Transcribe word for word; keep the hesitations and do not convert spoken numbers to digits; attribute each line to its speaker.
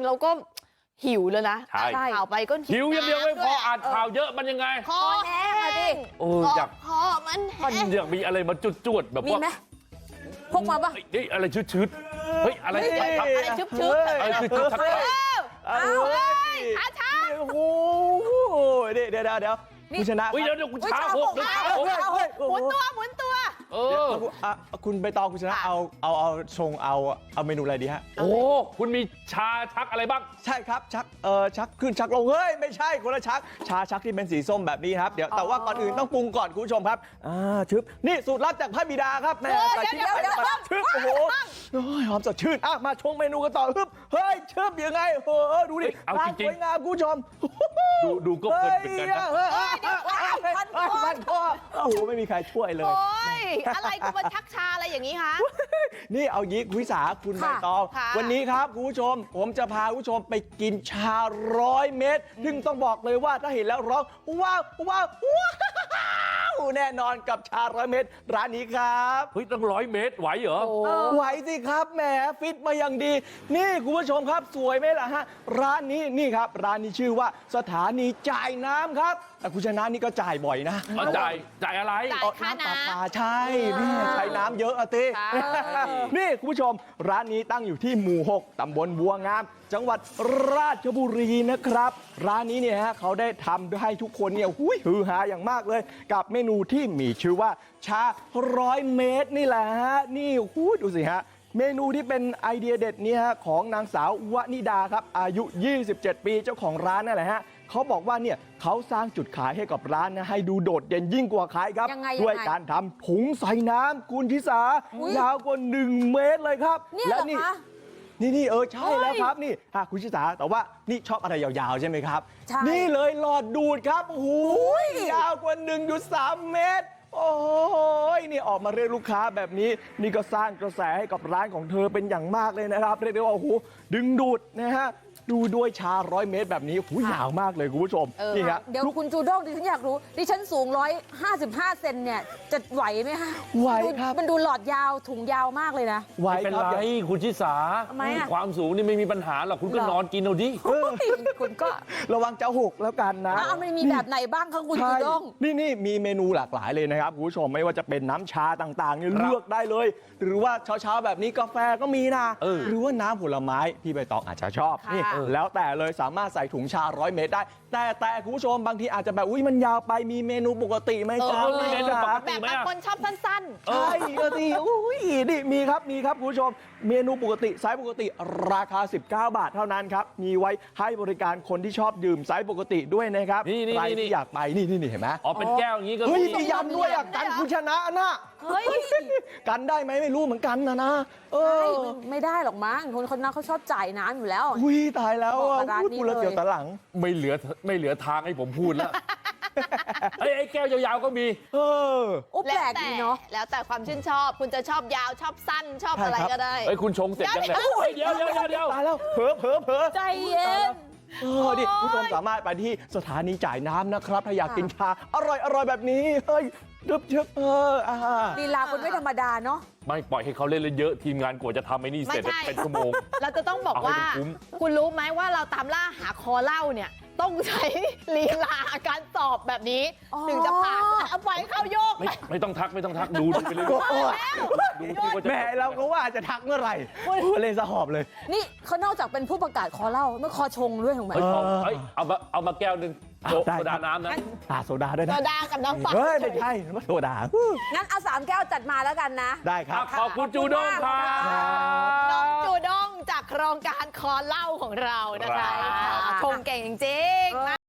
Speaker 1: เราก็หิวเลยนะอ่านข่าวไปก็
Speaker 2: หิวอย่างเดียวไม่พออ่านข่าวเยอะมันยังไง
Speaker 1: คอแห้งอะดิ
Speaker 2: โอ้อยาก
Speaker 1: คอมันแห้ง
Speaker 2: อยากมีอะไรมาจุดๆแบบว่า
Speaker 3: มีไหมพกมาปะ
Speaker 2: เฮ้ยอะไรชืดๆเฮ้ยอะไร
Speaker 1: อะไรชุบชุบ
Speaker 2: อะไรชืดๆทักทาย
Speaker 1: อ้าวช้าช้า
Speaker 4: โอ้โหเดี๋ยวเดี๋ยวเดี๋ยวคุณชนะ
Speaker 2: เฮ้ยเดี๋ยวคุณช้าหกเดี๋ยวช้าหก
Speaker 1: หมุนตัวหมุนตัว
Speaker 2: เออ
Speaker 4: คุณใบตองคุณชนะเอาเอาเอาชงเอาเอาเมนูอะไรดีฮะ
Speaker 2: โอ้คุณมีชาชักอะไรบ้าง
Speaker 4: ใช่ครับชักเออชักขึ้นชักลงเฮ้ยไม่ใช่คนละชักชาชักที่เป็นสีส้มแบบนี้ครับเดี๋ยวแต่ว่าก่อนอื่นต้องปรุงก่อนคุณผู้ชมครับอ่าชึบนี่สูตรลับจากพระบิดาครับแม่ใส่ชิ้นไปชึบโอ้โหหอมสดชื่นอ่ะมาชงเมนูกันต่อฮึบเฮ้ยชึบยังไงเออดูดิ
Speaker 2: เอาจริง
Speaker 4: สวยงามคุณผู้ชม
Speaker 2: ดูดูก็เพลินเป็นกันนะ
Speaker 4: พันคอโอ้โหไม่มีใครช่วยเลย
Speaker 1: โอ้ยอะไรกูมาชักชาอะไรอย่างนี้คะ
Speaker 4: นี่เอายิกวิสาคุณใบตองวันนี้ครับคุณผู้ชมผมจะพาคุณผู้ชมไปกินชาร้อยเม็ดซึ่งต้องบอกเลยว่าถ้าเห็นแล้วร้องว้าวว้าวว้าวแน่นอนกับชาร้อยเม็ดร้านนี้ครับ
Speaker 2: เฮ้ยตั้งร้อยเมตรไหวเหรอ
Speaker 4: ไหวสิครับแหมฟิตมาอย่างดีนี่คุณผู้ชมครับสวยไหมล่ะฮะร้านนี้นี่ครับร้านนี้ชื่อว่าสถานีจ่ายน้ำครับแต่คุณชนะนี่ก็จ่ายบ่อยนะ
Speaker 2: จ่ายจ่ายอะไร
Speaker 1: จ่ายค่าน้ำ
Speaker 4: ปลาใช่นี่ใช้น้ำเยอะอะตินี่คุณผู้ชมร้านนี้ตั้งอยู่ที่หมู่หกตำบลบัวงามจังหวัดราชบุรีนะครับร้านนี้เนี่ยฮะเขาได้ทำให้ทุกคนเนี่ยหุ้ยฮือฮาอย่างมากเลยกับเมนูที่มีชื่อว่าชาร้อยเมตรนี่แหละฮะนี่หุ้ยดูสิฮะเมนูที่เป็นไอเดียเด็ดนี้ฮะของนางสาววนิดาครับอายุยี่สิบเจ็ดปีเจ้าของร้านนั่นแหละฮะเขาบอกว่าเนี่ยเขาสร้างจุดขายให้กับร้านนะให้ดูโดดเด่นยิ่งกว่าขายครับด้วยการทำถุงใส่น้ำคุณทิสายาวกว่าหนึ่งเมตรเลยครับ
Speaker 3: และนี่
Speaker 4: นี่นี่เออใช่แล้วครับนี่ฮะคุณชิสาแต่ว่านี่ชอบอะไรยาวๆใช่ไหมครับนี่เลยหลอดดูดครับโอ้โหยาวกว่า หนึ่งจุดสาม เมตรโอ้ยนี่ออกมาเรียกลูกค้าแบบนี้นี่ก็สร้างกระแสให้กับร้านของเธอเป็นอย่างมากเลยนะครับเรียกได้ว่าโอ้โหดึงดูดนะฮะดูด้วยชาร้อยเมตรแบบนี้หูยาวมากเลยคุณผู้ชมนี่ครับ
Speaker 3: เดี๋ยวคุณจูด้งดิฉันอยากรู้ดิฉันสูงร้อยห้าสิบห้าเซนเนี่ยจะไหวไหมคะ
Speaker 4: ไหวครับ
Speaker 3: มันดูหลอดยาวถุงยาวมากเลยนะ
Speaker 4: ไหว
Speaker 2: เป็น
Speaker 4: ครับ
Speaker 2: ไรคุณชิสาความสูงนี่ไม่มีปัญหาหรอกคุณก็นอนกินเอาดิ
Speaker 3: คุณก็
Speaker 4: ระวังจะหกแล้วกันนะ
Speaker 3: มันมีแบบไหนบ้างคะคุณจูด้ง
Speaker 4: นี่นี่มีเมนูหลากหลายเลยนะครับคุณผู้ชมไม่ว่าจะเป็นน้ำชาต่างๆเนี่ยเลือกได้เลยหรือว่าเช้าๆแบบนี้กาแฟก็มีนะหรือว่าน้ำผลไม้พี่ใบตองอาจจะชอบนี่แล้วแต่เลยสามารถใส่ถุงชาร้อยเมตรได้แต่แต่คุณผู้ชมบางทีอาจจะแบบอุ้ยมันยาวไปมีเมนูปกติไหมจ๊ะ
Speaker 1: แบบบางคนชอบสั้น
Speaker 4: ๆใช่ก็ดีอุ้ยนี่มีครับมีครับคุณผู้ชมเมนูปกติไซส์ปกติราคาสิบเก้าบาทเท่านั้นครับมีไว้ให้บริการคนที่ชอดื่มไซส์ปกติด้วยนะครับใครที่อยากไปนี่นี่เห็นไหม
Speaker 2: อ๋อเป็นแก้วอย่างนี้ก็
Speaker 4: เฮ้ยมียันด้วยอ่ะกันคุณชนะนะ
Speaker 3: เฮ้ย
Speaker 4: กันได้ไหมไม่รู้เหมือนกันนะนะ
Speaker 3: เออไม่ได้หรอกมั้งคนคนนั้นเขาชอบจ่ายน้ำอยู่แล้ว
Speaker 4: อุ้ยตายแล้วอ่ะพูดแล้วเสียวตาหลัง
Speaker 2: ไม่เหลือไม่เหลือทางให้ผมพูดแล้วไอ้แก้วยาวๆก็มี
Speaker 4: เออ
Speaker 3: อุ๊บแปลกดีเนาะ
Speaker 1: แล้วแต่ความชื่นชอบคุณจะชอบยาวชอบสั้นชอบอะไรก็ได้
Speaker 2: ไอ้คุณชงเสร็จยังไงเดี๋ยวเดี๋ยวเดี๋ยว
Speaker 4: ตายแล้วเผลอเผลอเผลอ
Speaker 3: ใจเย็น
Speaker 4: เออดิผู้ชมสามารถไปที่สถานีจ่ายน้ำนะครับถ้าอยากกินชาอร่อยอร่อยแบบนี้เฮ้ยเดึบเดึบเอออ่า
Speaker 3: ลีลาคุณไม่ธรรมดาเนาะ
Speaker 2: ไม่ปล่อยให้เขาเล่นเยอะทีมงานกว่าจะทำไอ้นี่เสร็จเป็นชั่วโมง
Speaker 1: เราจะต้องบอกว่าคุณรู้ไหมว่าเราตามล่าหาคอเล่าเนี่ยต้องใช้ลีลาการสอบแบบนี้ถึงจะผ่านเอาไปเข้าโยก
Speaker 2: ไม่ต้องทักไม่ต้องทักดูไปเลย
Speaker 4: แม่เราก็ว่าจะทักเมื่อไหร่เลยสะหอบเลย
Speaker 3: นี่เขานอกจากเป็นผู้ประกาศคอเล่าไม่คอชงด้วยถูกไหม
Speaker 2: เอามาเอามาแก้วหนึ่งโซดาน้ำนะ
Speaker 4: โซดาด้วยนะ
Speaker 1: โซดากับน้ำเปล่า
Speaker 4: เฮ้ยไม่ใช่มาโซดา
Speaker 3: งั้นเอาสามแก้วจัดมาแล้วกันนะ
Speaker 4: ได้ครับ
Speaker 2: ขอบคุณจูด้งครับ
Speaker 1: น้องจูด้งจากโครงการคอเล่าของเรานะคะชงเก่งจริงๆ